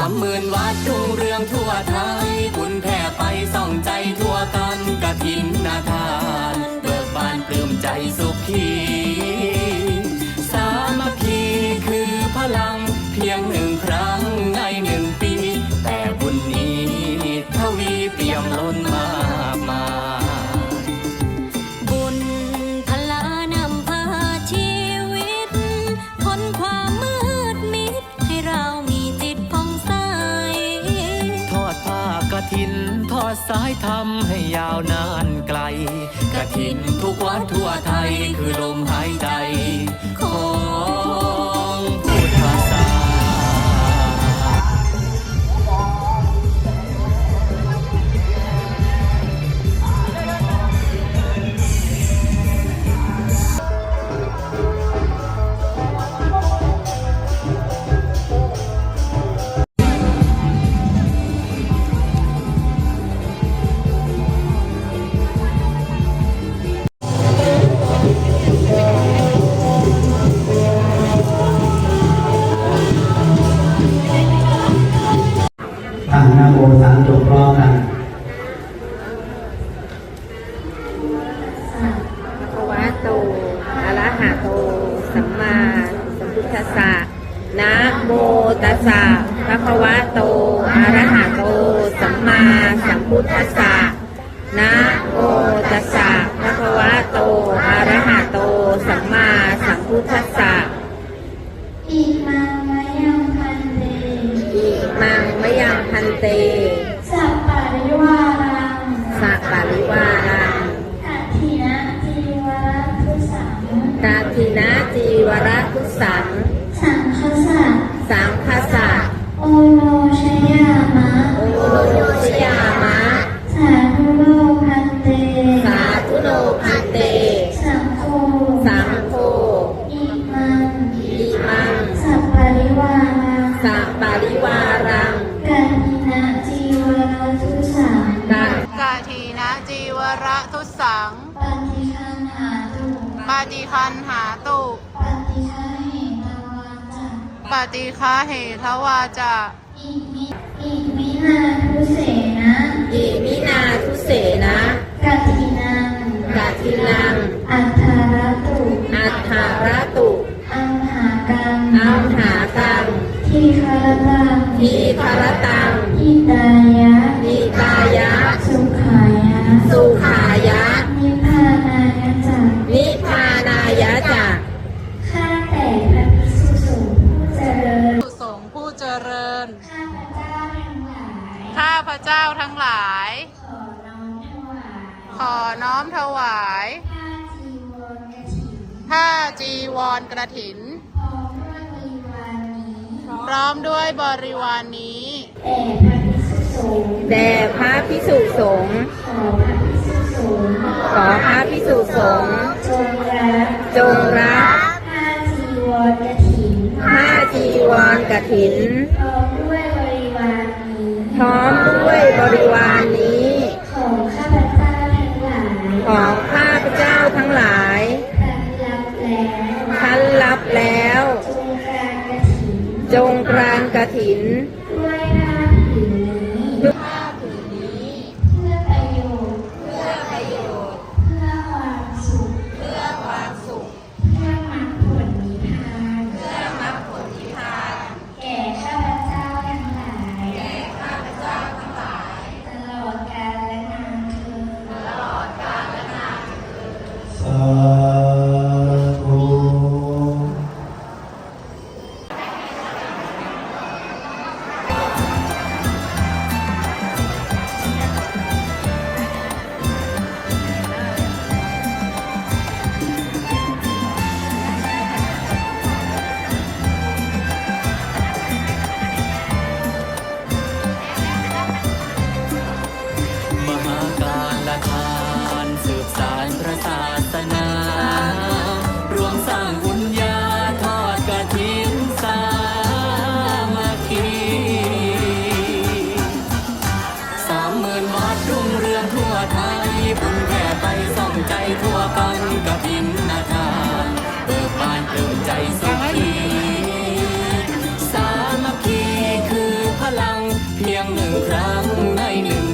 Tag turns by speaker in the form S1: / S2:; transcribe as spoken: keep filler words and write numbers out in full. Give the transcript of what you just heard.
S1: ามหมื่นวัดรุ่งเรืองทั่วไทยบุญแผ่ไปส่องใจทั่วกันกฐินนาทานเบิกบานปลื้มใจสุขีสามัคคีคือพลังเพียงหนึ่งครั้งในหนึ่งปีแต่บุญนี้ทวีเปี่ยมล้นมากมาย
S2: บุญพลานำพาชีวิตพ้นความมืดมิดให้เรามีจิตผ่องใส
S1: ทอดผ้ากฐินทอดสายธรรมให้ยาวนานไกลกฐินทุกวัดทั่วไทยคือลมหายใจของพุทธศาสนา
S3: ตั้งนะโมสามจบพร้อมกัน
S4: ภะคะวะโตอะระหะโตสัมมาสัมพุทธัสสะนะโมตัสสะภะคะวะโตอะระหะโตสัมมาสัมพุทธัสสะนะโมตัสสะภะคะวะโตอะระหะโตสัมมาสัมพุทธัสสะ
S2: อิมังมะยังพันเต
S4: อิมังมะยังพันเต
S2: สัปปะริวารัง
S4: สัปปะริวารัง
S2: กัตถินะจีวรทุสัง
S4: กัตถินะจีวรทุสัง
S2: สังฆสะ
S4: สังฆสะ
S2: โอโนชยามะ
S4: โอโนชยามะ
S2: สาธุโลพันเต
S4: สาธุโลพันเต
S2: สังโฆ
S4: สังโฆ
S2: อิมัง
S4: อิมัง
S2: สัปปะริวารัง
S4: สัปปะริวารัง
S2: กัตถินะจีวรทุสัง
S5: กัตถินะจีวรทุสัง
S2: ปฏิคันหาตุ
S5: ปฏิคันหาตุ
S2: ปฏิฆาเหตวาจา
S5: ปฏิฆาเหทวาจา
S2: อิมิอิมินาทุเสนะ
S4: อิมินาทุเสนะ
S2: กัตถินัง
S4: กัตถินัง
S2: อัฏฐารตุ
S4: อัฏฐารตุ
S2: อัมหากัง
S4: อัมหากัง
S2: ทีฆรตัง
S4: ทีฆรตัง
S2: อิตายะ
S4: อิตายะ
S2: สุขายะ
S4: สุขายะ
S2: นิพพานายะจัก
S4: นิพพานายะจัก
S2: ข้าแต่พระภิกษุสงฆ์ผู้เจริญ
S5: สงฆ์ผู้เจริญ
S2: ข้าพเจ้าทั้งหลาย
S5: ข้าพเจ้าทั้งหลาย
S2: ขอน้อมถวาย
S5: ขอน้อมถวายผ้าจีวรกฐินพร้อมด้วยบริวารนี้
S4: แด่พระภิกษุสงฆ์ขอพระภิกษุสงฆ์จงรับ
S2: ผ้าจีวรกฐิน
S4: ผ้าจีวรกฐิน
S2: พร้อมด้วยบริวารนี้
S4: พร้อมด้วยบริวารนี้
S2: ของข้าพเจ้าทั้งหลาย
S4: ของข้าพเจ้าทั้งหลาย
S2: ท่านรับแล้ว
S4: ท่านรับแล้วจงกรานกฐิน
S2: ด้วยผ้าผืนนี้
S4: ด้วยผ้าผืนนี้
S2: เพื่อประโยชน์
S4: เพื่อประโยชน์
S2: เพื่อความสุข
S4: เพื่อความสุข
S2: เพื่อมรรคผลนิพพาน
S4: เพื่อมรรคผลนิพพาน
S2: แก่ข้าพเจ้าทั้งหลาย
S4: แก่ข้าพเจ้าทั้งหลาย
S2: ตลอดกาลและนานเทอญ
S4: ตลอดกาลและนานเทอญ
S3: สาธุ
S1: นึ่งครั้งในหนึ่ง